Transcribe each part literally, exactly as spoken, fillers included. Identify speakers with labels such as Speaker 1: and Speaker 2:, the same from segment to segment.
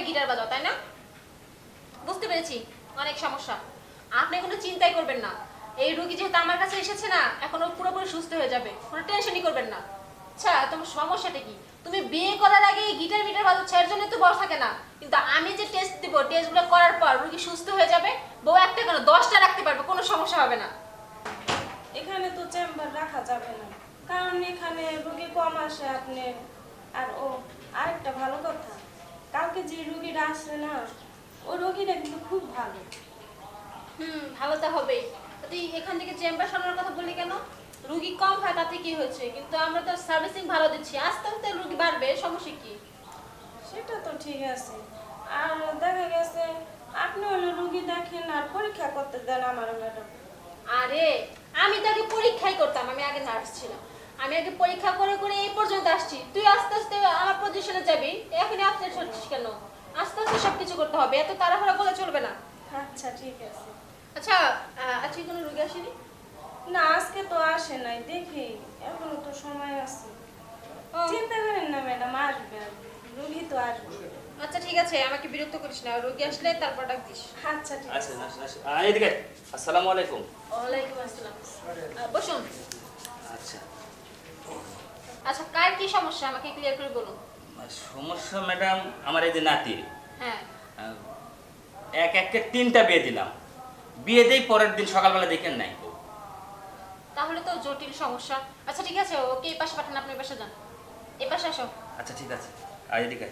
Speaker 1: Guitar বাজাও, তাই না? বুঝতে পেরেছি, অনেক সমস্যা। আপনি কোনো চিন্তাই করবেন না। এই রোগী যেহেতু আমার কাছে এসেছে না, এখন ও পুরোপুরি সুস্থ হয়ে যাবে, কোনো টেনশনই করবেন না। আচ্ছা, তোমার সমস্যাটা কি? তুমি বিয়ে করার আগে গিটার মিটার বাজাচ্ছ, এর জন্য তো বড় থাকে না। কিন্তু আমি যে টেস্ট দিব, টেস্টগুলো করার পর রোগী সুস্থ হয়ে যাবে, বউ একটা কেন দশটা রাখতে পারবে, কোনো সমস্যা হবে না।
Speaker 2: এখানে তো চেম্বার রাখা যাবে না, কারণ এখানে রোগী কম আসে আপনি। আর ও আরেকটা ভালো কথা, কালকে যে রোগীরা আসে না, ও রোগীটা কিন্তু খুব ভালো।
Speaker 1: হুম, ভালো তো হবেই। তুই এখান থেকে চেম্বার সামলানোর কথা বললি কেন? রুগী কম হয় তাতে কি হয়েছে? কিন্তু আমরা তো সার্ভিসিং ভালো দিচ্ছি, আস্তে আস্তে রুগী বাড়বে, সমস্যা কি?
Speaker 2: সেটা তো ঠিক আছে। আর দেখা গেছে আপনি হলো রুগী দেখেন আর পরীক্ষা করতে দেন আমার ম্যাডাম।
Speaker 1: আরে আমি তো আগে পরীক্ষাই করতাম, আমি আগে নার্স ছিলাম। আমি আগে পরীক্ষা করে করে এই পর্যন্ত আসছি। তুই আস্তে আস্তে আমার পজিশনে যাবি, এখনই আপডেট হচ্ছিস কেন? আস্তে আস্তে সবকিছু করতে হবে, এত তাড়াহুড়া করলে চলবে না।
Speaker 2: আচ্ছা ঠিক আছে।
Speaker 1: আচ্ছা, আহ, আজকে কোনো রুগী আসেনি?
Speaker 2: না আজকে তো আসে নাই, দেখি এখনো তো সময় আছে।
Speaker 1: ও,
Speaker 2: চিন্তা করেন না ম্যাডাম, আসবে আসবে, রুগী তো আসবে।
Speaker 1: আচ্ছা ঠিক আছে, আমাকে বিরক্ত করিস না, রুগী আসলে তারপর ডাক দিস।
Speaker 2: আচ্ছা ঠিক আছে।
Speaker 3: আসেন আসেন আসেন আহ, এদিকে আসসালামু আলাইকুম।
Speaker 1: ওয়ালাইকুম আসসালাম। আহ, বসুন।
Speaker 3: আচ্ছা,
Speaker 1: আচ্ছা, কার কি সমস্যা আমাকে ক্লিয়ার করে বলুন।
Speaker 3: সমস্যা ম্যাডাম, আমার এই যে নাতি
Speaker 1: হ্যাঁ,
Speaker 3: আহ, এক একে তিনটা বিয়ে দিলাম, বিয়ে দেই পরের দিন সকালবেলা দেখেন নাই।
Speaker 1: তাহলে তো জটিল সমস্যা। আচ্ছা ঠিক আছে, ওকে এই পাশে পাঠান, আপনি এই পাশে যান, এই পাশে আসো।
Speaker 3: আচ্ছা ঠিক আছে, আর এদিকে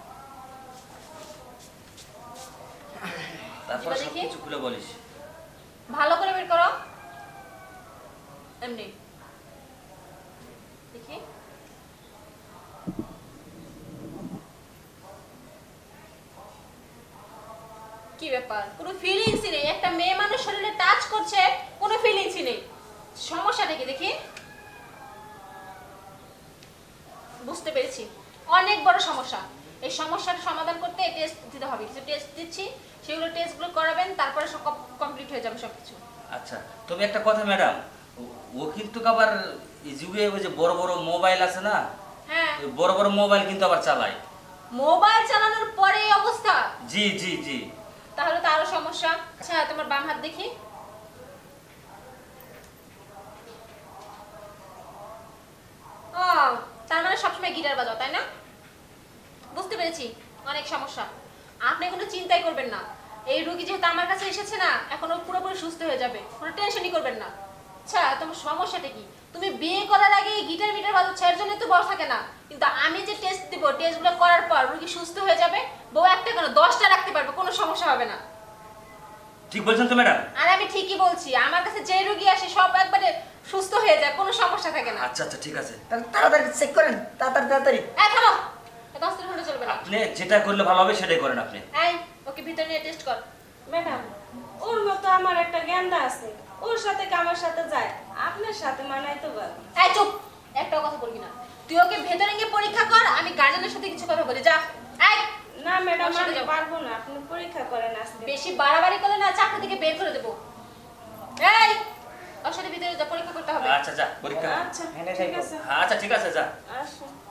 Speaker 3: তারপর
Speaker 1: জিবা
Speaker 3: সব
Speaker 1: দেখি।
Speaker 3: কিছু খুলে বলিস।
Speaker 1: ভালো করে বের করো, এমনি দেখি। কি ব্যাপার, কোনো ফিলিংসই নেই? একটা মেয়ে মানুষ শরীরে টাচ করছে, কোনো ফিলিংসই নেই। সমস্যাটা কি দেখি? বুঝতে পেরেছি, অনেক বড় সমস্যা। এই সমস্যার সমাধান করতে টেস্ট দিতে হবে, কিছু টেস্ট দিচ্ছি, সেগুলো টেস্টগুলো করাবেন, তারপরে সব কমপ্লিট হয়ে যাবে সবকিছু।
Speaker 3: আচ্ছা, তবে একটা কথা ম্যাডাম, ও কিন্তু আবার এই যুগে ওই যে বড় বড় মোবাইল আছে না,
Speaker 1: হ্যাঁ,
Speaker 3: ওই বড় বড় মোবাইল কিন্তু আবার চালায়।
Speaker 1: মোবাইল চালানোর পরে এই অবস্থা?
Speaker 3: জি জি জি।
Speaker 1: তাহলে তো আরো সমস্যা। আচ্ছা, তোমার বাম হাত দেখি। ও, তার মানে সবসময় গিটার বাজাও, তাই না? বুঝতে পেরেছি, অনেক সমস্যা। আপনি কোনো চিন্তাই করবেন না। এই রোগী যেহেতু আমার কাছে এসেছে না, এখন ও পুরোপুরি সুস্থ হয়ে যাবে, কোনো টেনশনই করবেন না। আচ্ছা, তোমার সমস্যাটা কি? তুমি বিয়ে করার আগে গিটার মিটার বাজাচ্ছ, এর জন্য তো বড় থাকে না। কিন্তু আমি যে টেস্ট দিব, টেস্টগুলো করার পর রোগী সুস্থ হয়ে যাবে, বউ একটা কেন দশটা রাখতে পারবে, কোনো সমস্যা হবে না।
Speaker 3: ঠিক বলছেন তো ম্যাডাম?
Speaker 1: আর আমি ঠিকই বলছি, আমার কাছে যে রোগী আসে সব একবারে সুস্থ হয়ে যায়, কোনো সমস্যা থাকে না।
Speaker 3: আচ্ছা আচ্ছা ঠিক আছে,
Speaker 4: তাহলে তাড়াতাড়ি চেক করেন, তাড়াতাড়ি তাড়াতাড়ি।
Speaker 1: এই থামো, এত অস্থির হলে চলবে না।
Speaker 3: আপনি যেটা করলে ভালো হবে সেটাই করেন আপনি।
Speaker 1: এই, ওকে ভিতরে নিয়ে টেস্ট কর।
Speaker 2: ম্যাডাম, ওর মতো আমার একটা গেন্দা আছে, ওর সাথে কি আমার সাথে যায়? আপনার সাথে মানাই তো পারবো।
Speaker 1: এই চুপ, একটাও কথা বলবি না। তুই ওকে ভেতরে গিয়ে পরীক্ষা কর, আমি গার্জেনের সাথে কিছু কথা বলি, যা। এই,
Speaker 2: না ম্যাডাম,
Speaker 1: ওর সাথে
Speaker 2: আমি
Speaker 1: যাও।
Speaker 2: পারবো না, আপনি পরীক্ষা করেন আজকে।
Speaker 1: বেশি বাড়াবাড়ি করলে না চাকরি থেকে বের করে দেবো। এই, ওর সাথে ভিতরে যা, পরীক্ষা করতে হবে।
Speaker 3: আচ্ছা যা পরীক্ষা কর।
Speaker 2: আচ্ছা
Speaker 4: হ্যাঁ,
Speaker 2: ঠিক
Speaker 4: দেখো।
Speaker 2: আছে,
Speaker 3: আচ্ছা ঠিক আছে যা।
Speaker 2: আসুন।